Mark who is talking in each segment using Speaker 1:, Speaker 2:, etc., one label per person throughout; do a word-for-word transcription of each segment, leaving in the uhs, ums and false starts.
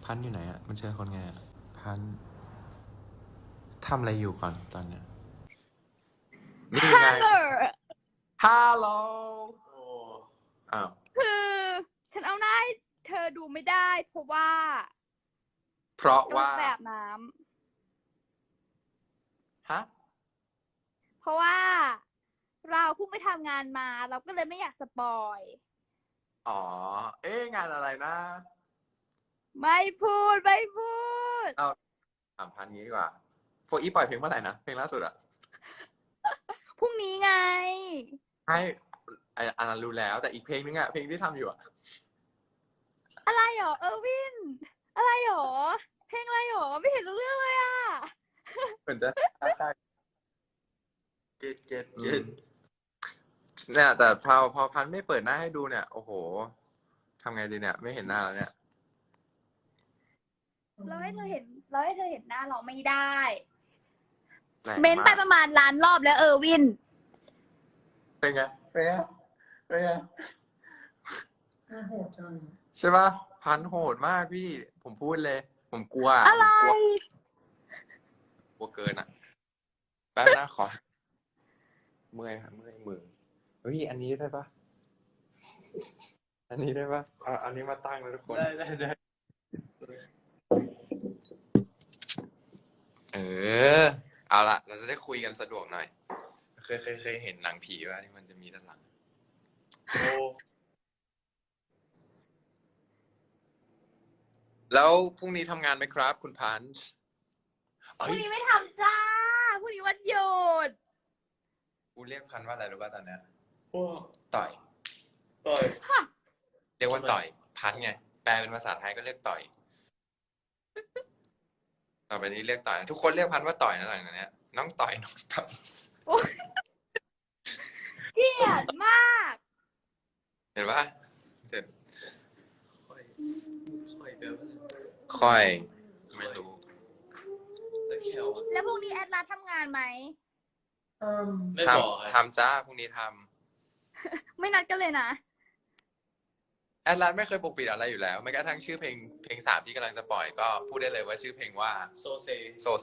Speaker 1: พันอยู่ไหนอะมันเจอคนไงอะพันทำอะไรอยู่ก่อนตอนเนี้ยนี่ไง
Speaker 2: ฮัลโหล
Speaker 1: ฮัลโหลโอ้อ้าว
Speaker 2: คือฉันเอาหน้าให้เธอดูไม่ได้เพราะว่า
Speaker 1: เพราะ
Speaker 2: กำลั
Speaker 1: ว่าง
Speaker 2: ไปอาบน้
Speaker 1: ฮะ
Speaker 2: ำเพราะว่า เราเพิ่งไปทำงานมา เราก็เลยไม่อยากสปอย
Speaker 1: อ๋อ เอ๊ะงานอะไรนะ
Speaker 2: ไม่พูดไม่พูด
Speaker 1: เอาถามพันงี้ดีกว่าโฟอีปล่อยเพลงเมื่อไหร่นะเพลงล่าสุดอะ
Speaker 2: พรุ่งนี้ไง
Speaker 1: ให้ไอ้อันนั้นรู้แล้ว แต่อีกเพลงนึงอะเพลงที่ทำอยู่อะ
Speaker 2: อะไรหรอเออร์วิน อะไรหรอ เพลงอะไรหรอ ไม่เห็นรู้เรื่องเลยอ่ะ
Speaker 1: เหมือนจะเกตเกตเกตเนี่ยแต่พอพอพันไม่เปิดหน้าให้ดูเนี่ย โอ้โหทำไงดีเนี่ย ไม่เห็นหน้าแล้วเนี่ย
Speaker 2: เราให้เธอเห็น เราให้เธอเห็นหน้าเราไม่ได้
Speaker 1: แรง
Speaker 2: เม้น
Speaker 1: มา
Speaker 2: ไป
Speaker 1: ก
Speaker 2: ประมาณล้านรอบแล้วเออร์วิน
Speaker 1: เป็นไงเป็นไงเป็นไง
Speaker 3: น่าโหดจัง
Speaker 1: ใช่ปะพันโหดมากพี่ ผมพูดเลย ผมกลัว
Speaker 2: อะไร
Speaker 1: ผมกลัวกลัวเกินอ่ะ แป๊บนะขอ เมื่อยค่ะเมื่อยมือเฮ้ยอันนี้ได้ปะอันนี้ได้ปะเอาอันนี้มาตั้งนะทุกคน
Speaker 3: ได้ได้ได้
Speaker 1: เออ เอาละเราจะได้คุยกันสะดวกหน่อย เคยเคยเคยเห็นหนังผีว่าที่มันจะมีด้านหลัง
Speaker 3: โอ้
Speaker 1: แล้วพรุ่งนี้ทำงานไหมครับ คุณพันช์
Speaker 2: พรุ่งนี้ไม่ทำจ้า พรุ่งนี้วันหยุด
Speaker 1: กูเรียกพันว่าอะไรรู้ป่ะตอนเนี้ย
Speaker 3: พวก
Speaker 1: ต่อย
Speaker 3: ต่อย
Speaker 1: เรียกว่าต่อย พันไง แปลเป็นภาษาไทยก็เรียกต่อย ต่อไปนี้เรียกต่อยนะทุกคนเรียกพันว่าต่อยนะหลังจากเนี้ย น้องต่อยน้องต่อย
Speaker 2: เกลียดมาก
Speaker 1: เห็นปะเจ็ด
Speaker 3: ค่อยค่อยแบบว่า
Speaker 1: ค่อย ไม่รู้
Speaker 3: ตะแคลอะ
Speaker 2: แล้วพรุ่งนี้แอดลาสทำงานไหม
Speaker 3: อืมไม่
Speaker 1: ท
Speaker 3: บอก
Speaker 1: ำ
Speaker 3: ครับ
Speaker 1: ทำจ้าพรุ่งนี้ท
Speaker 2: ไม่นัดกันเลยนะ
Speaker 1: ำแอดลาสไม่เคยปกปิดอะไรอยู่แล้วแม้กระทั่งชื่อเพลงเพลงสามที่กำลังจะปล่อยก็พูดได้เลยว่าชื่อเพลงว่า
Speaker 3: โซเซ
Speaker 1: โซเซ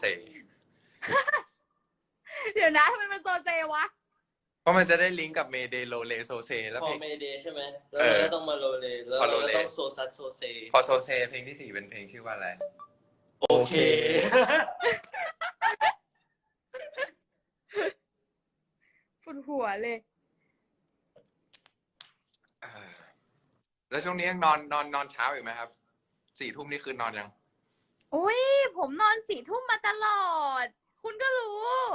Speaker 2: เดี๋ยวนะทำไมมันโซเซวะ
Speaker 1: เพราะมันจะได้ลิงก์กับเมเดโลเลโซเซแล้ว
Speaker 3: พอ
Speaker 1: เพลง
Speaker 3: เมเดย์ใช่ไหมแล้ว
Speaker 1: เออ
Speaker 3: เราก็ต้องมาโรเลแล้ว
Speaker 1: พอ
Speaker 3: เรา
Speaker 1: โร
Speaker 3: ก็
Speaker 1: เล
Speaker 3: ต้องโซซัสโซเซ
Speaker 1: พอโซเซเพลงที่สี่เป็นเพลงชื่อว่าอะไร
Speaker 3: โอเค
Speaker 2: ฝุ่นหัวเลย
Speaker 1: อ่าแล้วช่วงนี้ยังนอนนอนนอนเช้าอยู่ไหมครับสี่ทุ่มนี่คือนอนยัง
Speaker 2: อุ้ยผมนอนสี่ทุ่มมาตลอด คุณก็รู้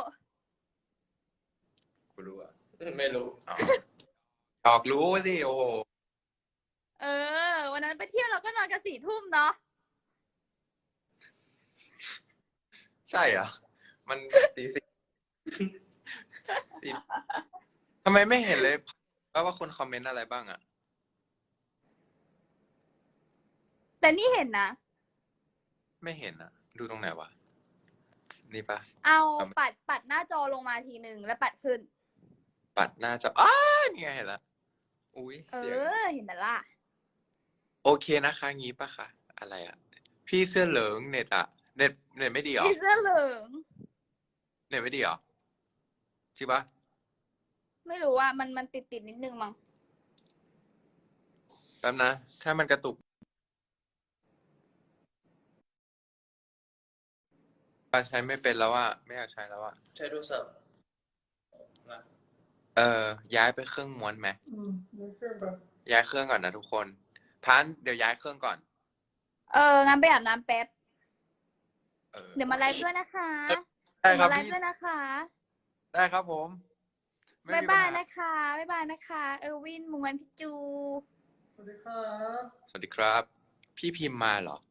Speaker 1: กูรู้อ่ะ
Speaker 3: ไม่รู้
Speaker 1: อ๋อออกรู้สิโอ้โห
Speaker 2: เออ วันนั้นไปเที่ยวเราก็นอนกันสี่ทุ่มเนาะ
Speaker 1: ใช่เหรอมันตีสี่สี่ทำไมไม่เห็นเลยว่าว่าคนคอมเมนต์อะไรบ้างอ่ะ
Speaker 2: แต่นี่เห็นนะ
Speaker 1: ไม่เห็นอ่ะ ดูตรงไหนวะ นี่ปะ
Speaker 2: เอาปัดปัดหน้าจอลงมาทีหนึ่งแล้วปัดขึ้น
Speaker 1: ปัดหน้าจออ้านี่ไงเห็นละอุ้ย
Speaker 2: เอ
Speaker 1: เสียง
Speaker 2: อ เห็นแต่ละ
Speaker 1: โอเคนะคะงี้ปะคะอะไรอ่ะ พี่เสื้อเหลืองเน็ตอ่ะ เน็ตเน็ตไม่ดีเหรอ
Speaker 2: พี่เสื้อเหลือง
Speaker 1: เน็ตไม่ดีเหรอจริงปะ
Speaker 2: ไม่รู้ว่ามันมันติดติดนิดนึงมั้ง
Speaker 1: แป๊บนะ ถ้ามันกระตุกใช้ไม่เป็นแล้วอ่ะไม่อยากใช้แล้วอ่ะ
Speaker 3: ใช้โทรศัพท์นะ
Speaker 1: เออ ย้ายไปเครื่องม้วนไหม
Speaker 3: อืมไม่ใช่แบบ
Speaker 1: ย้ายเครื่องก่อนนะทุกคน พันเดี๋ยวย้ายเครื่องก่อน
Speaker 2: เออ งั้นไปอาบน้ำแป๊บ
Speaker 1: เออ
Speaker 2: เดี๋ยวมาไลฟ์ด้วยนะคะ
Speaker 1: ได้ค
Speaker 2: เดี๋ยว
Speaker 1: รับ
Speaker 2: มาไลฟ์
Speaker 1: พี่
Speaker 2: ด้วยนะคะ
Speaker 1: ได้ครับผมไม่
Speaker 2: บ๊าย
Speaker 1: มี
Speaker 2: บา
Speaker 1: ปั
Speaker 2: ย
Speaker 1: ญห
Speaker 2: นะคะ บ๊ายบายนะคะ เออร์วินมุงวันพี่จู
Speaker 3: สวัสดีครับ
Speaker 1: สวัสดีครับ พี่พิมพ์มาเหรอ